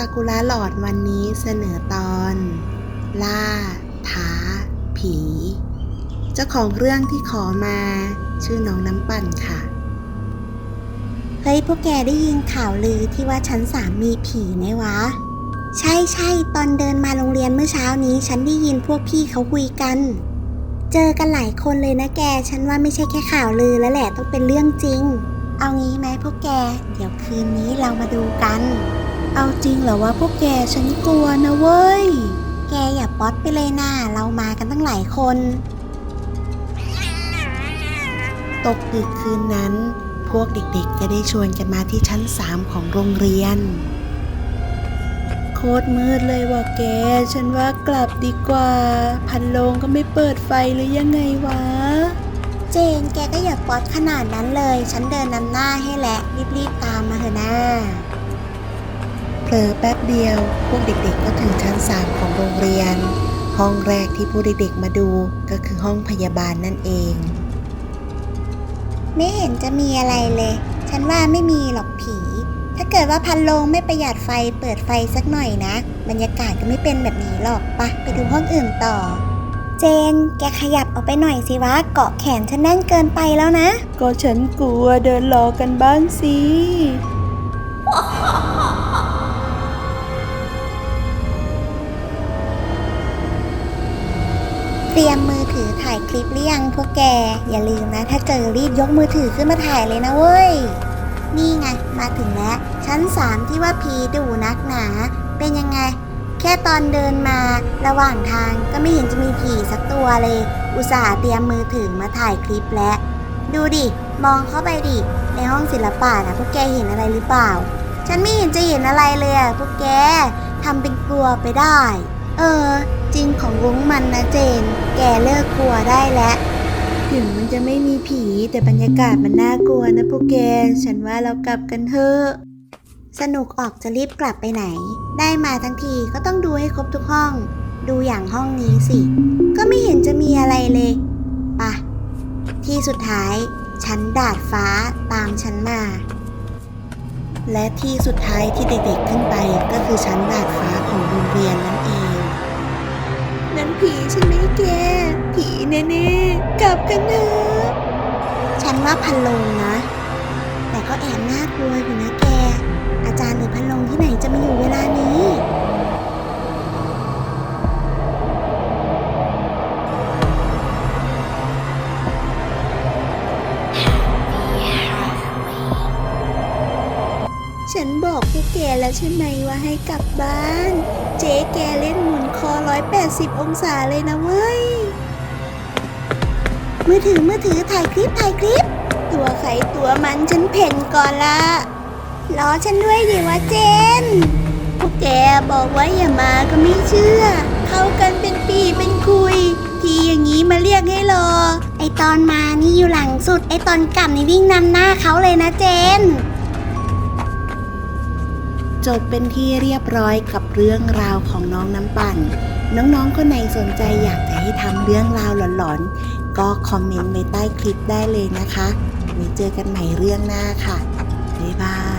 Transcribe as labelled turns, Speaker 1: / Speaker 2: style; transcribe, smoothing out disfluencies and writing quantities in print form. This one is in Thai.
Speaker 1: กุระหลอดวันนี้เสนอตอนล่าท้าผีเจ้าของเรื่องที่ขอมาชื่อน้องน้ำปั่นค่ะเฮ้ยพวกแกได้ยินข่าวลือที่ว่าชั้น3มีผีไหมวะใช่ตอนเดินมาโรงเรียนเมื่อเช้านี้ฉันได้ยินพวกพี่เขาคุยกันเจอกันหลายคนเลยนะแกฉันว่าไม่ใช่แค่ข่าวลือแล้วแหละต้องเป็นเรื่องจริงเอางี้ไหมพวกแกเดี๋ยวคืนนี้เรามาดูกันเอาจริงเหรอวะพวกแกฉันกลัวนะเว้ยแกอย่าป๊อตไปเลยนะเรามากันตั้งหลายคนตกดึกคืนนั้นพวกเด็กๆจะได้ชวนกันมาที่ชั้น3ของโรงเรียนโคตรมืดเลยว่ะแกฉันว่ากลับดีกว่าพัดลมก็ไม่เปิดไฟหรือยังไงวะเจนแกก็อย่าป๊อตขนาดนั้นเลยฉันเดินนำหน้าให้แหละรีบๆตามมาเถอะนะเผลอแป๊บเดียวพวกเด็กๆก็ถึงชั้น3ของโรงเรียนห้องแรกที่พวกเด็กๆมาดูก็คือห้องพยาบาลนั่นเองไม่เห็นจะมีอะไรเลยฉันว่าไม่มีหรอกผีถ้าเกิดว่าพัดลมไม่ประหยัดไฟเปิดไฟสักหน่อยนะบรรยากาศก็ไม่เป็นแบบนี้หรอกไปดูห้องอื่นต่อเจนแกขยับออกไปหน่อยสิวะเกาะแขนฉันแน่นเกินไปแล้วนะก็ฉันกลัวเดินรอกันบ้างสิเตรียมมือถือถ่ายคลิปหรือยังพวกแกอย่าลืมนะถ้าเจอรีบยกมือถือขึ้นมาถ่ายเลยนะเว้ยนี่ไงมาถึงแล้วชั้น3ที่ว่าผีดุนักหนาเป็นยังไงแค่ตอนเดินมาระหว่างทางก็ไม่เห็นจะมีผีสักตัวเลยอุตส่าห์เตรียมมือถือมาถ่ายคลิปแล้วดูดิมองเข้าไปดิในห้องศิลปะนะพวกแกเห็นอะไรหรือเปล่าฉันไม่เห็นจะเห็นอะไรเลยอะพวกแกทำเป็นกลัวไปได้จริงของรุ้งมันนะเจนแกเลิกกลัวได้แล้วถึงมันจะไม่มีผีแต่บรรยากาศมันน่ากลัวนะพวกแกฉันว่าเรากลับกันเถอะสนุกออกจะรีบกลับไปไหนได้มาทั้งทีก็ต้องดูให้ครบทุกห้องดูอย่างห้องนี้สิก็ไม่เห็นจะมีอะไรเลยที่สุดท้ายชั้นดาดฟ้าตามฉันมาและที่สุดท้ายที่เด็กๆขึ้นไปก็คือชั้นดาดฟ้าของโรงเรียนนั่นเองนั่นผีใช่ไหมแกผีแน่ๆกลับกันเถอะฉันว่าพันลงนะแต่ก็แอบน่ากลัวอยู่นะแกอาจารย์หรือพันลงที่ไหนจะมาอยู่เวลานี้ฉันบอกพวกแกแล้วใช่ไหมว่าให้กลับบ้านเจ๊แกเล่นหมุนคอ180องศาเลยนะเว้ยมือถือถ่ายคลิปตัวใครตัวมันฉันเพ่นก่อนละล้อฉันด้วยดิวะเจนพวกแกบอกว่าอย่ามาก็ไม่เชื่อเข้ากันเป็นปีเป็นคุยทีอย่างนี้มาเรียกให้รอไอตอนมานี่อยู่หลังสุดไอตอนกลับนี่วิ่งนำหน้าเขาเลยนะเจนจบเป็นที่เรียบร้อยกับเรื่องราวของน้องน้ำปั่นน้องๆคนไหนสนใจอยากจะให้ทำเรื่องราวหลอนๆก็คอมเมนต์ไว้ใต้คลิปได้เลยนะคะไว้เจอกันใหม่เรื่องหน้าค่ะบ๊ายบาย